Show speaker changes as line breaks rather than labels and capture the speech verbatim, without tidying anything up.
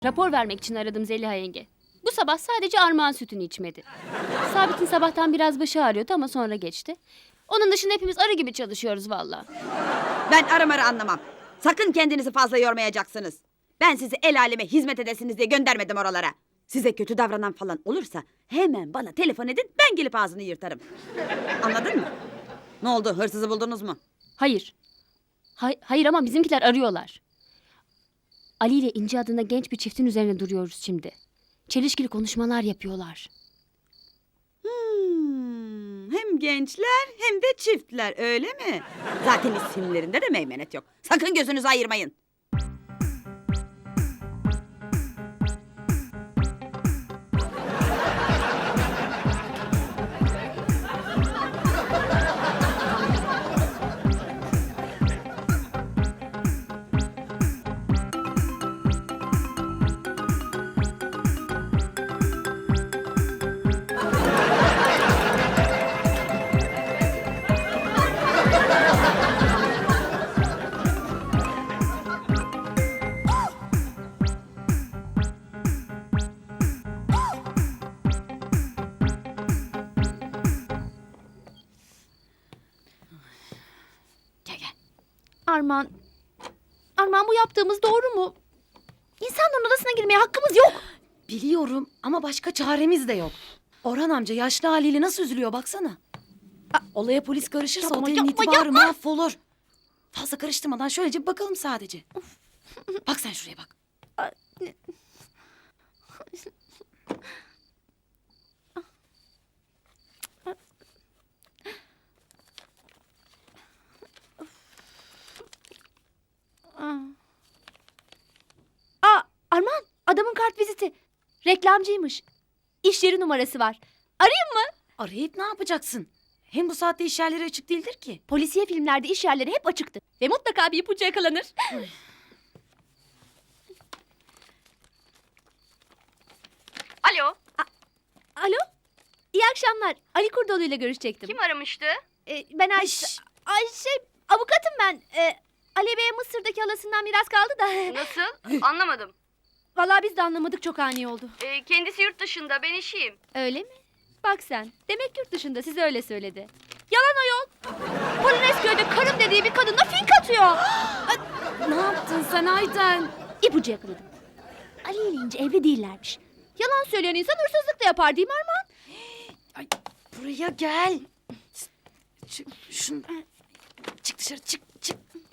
Rapor vermek için aradım Zeliha yenge. Bu sabah sadece armağan sütünü içmedi. Sabit'in sabahtan biraz başı ağrıyordu ama sonra geçti. Onun dışında hepimiz arı gibi çalışıyoruz vallahi.
Ben aramarı anlamam. Sakın kendinizi fazla yormayacaksınız. Ben sizi el aleme hizmet edesiniz diye göndermedim oralara. Size kötü davranan falan olursa hemen bana telefon edin, ben gelip ağzını yırtarım. Anladın mı? Ne oldu, hırsızı buldunuz mu?
Hayır. Hay- hayır ama bizimkiler arıyorlar. Ali ile İnci adında genç bir çiftin üzerine duruyoruz şimdi. Çelişkili konuşmalar yapıyorlar.
Hmm, hem gençler hem de çiftler, öyle mi? Zaten isimlerinde de meymenet yok. Sakın gözünüzü ayırmayın. Gel gel.
Armağan, Armağan bu yaptığımız doğru mu? İnsanların odasına girmeye hakkımız yok.
Biliyorum ama başka çaremiz de yok. Orhan amca yaşlı haliyle nasıl üzülüyor baksana. Aa, olaya polis karışırsa
Yapma,
otelin
yapma,
itibarı
yapma.
mahvolur. Fazla karıştırmadan şöylece bir bakalım sadece. Bak sen şuraya bak.
Aa, Armağan, adamın kart viziti. Reklamcıymış. İş yeri numarası var. Arayayım mı?
Arayıp ne yapacaksın? Hem bu saatte iş yerleri açık değildir ki.
Polisiye filmlerde iş yerleri hep açıktı. Ve mutlaka bir ipucu yakalanır.
Alo,
Alo? İyi akşamlar. Ali Kurdoğlu ile görüşecektim.
kim aramıştı?
Ee, ben Ay...
Şş,
Ay şey, avukatım ben. Ee, Ali Bey'e Mısır'daki halasından miras kaldı da.
Nasıl? Anlamadım.
Vallahi biz de anlamadık, çok ani oldu.
Ee, kendisi yurt dışında, ben işiyim.
Öyle mi? Bak sen. Demek yurt dışında, size öyle söyledi. Yalan ayol. Polonezköy'de karım dediği bir kadınla fink atıyor.
ne yaptın sen Ayten?
İpucu yakaladım. Ali ile İnci evli değillermiş. Yalan söyleyen insan hırsızlık da yapar değil mi Armağan?
Ay, buraya gel. Şu, şun, çık dışarı çık çık.